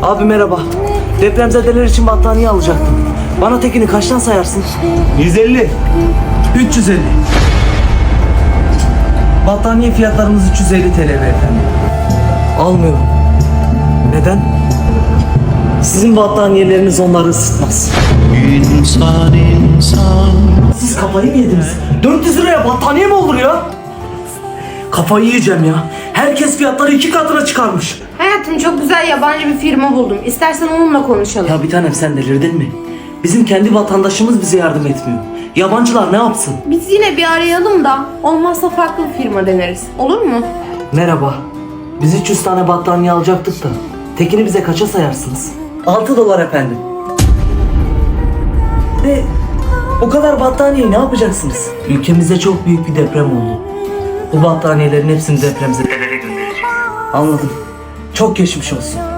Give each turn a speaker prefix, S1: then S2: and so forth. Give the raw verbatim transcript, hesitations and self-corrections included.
S1: Abi merhaba. Depremzedeler için battaniye alacaktım. Bana tekini kaçtan sayarsın?
S2: yüz elli. üç yüz elli.
S1: Battaniye fiyatlarımız üç yüz elli T L beyefendi. Almıyorum. Neden? Sizin battaniyeleriniz onları ısıtmaz.
S3: İnsan insan.
S1: Siz kafayı mı yediniz? dört yüz liraya battaniye mi olur ya? Kafayı yiyeceğim ya. Herkes fiyatları iki katına çıkarmış.
S4: Hayatım çok güzel yabancı bir firma buldum. İstersen onunla konuşalım.
S1: Ya bir tanem sen delirdin mi? Bizim kendi vatandaşımız bize yardım etmiyor. Yabancılar ne yapsın?
S4: Biz yine bir arayalım da olmazsa farklı bir firma deneriz. Olur mu?
S1: Merhaba. Biz üç yüz tane battaniye alacaktık da. Tekini bize kaça sayarsınız? altı dolar efendim. De o kadar battaniyeyi ne yapacaksınız? Ülkemizde çok büyük bir deprem oldu. Bu battaniyelerin hepsini depremzedelere göndereceğiz. Anladım. Çok geçmiş olsun.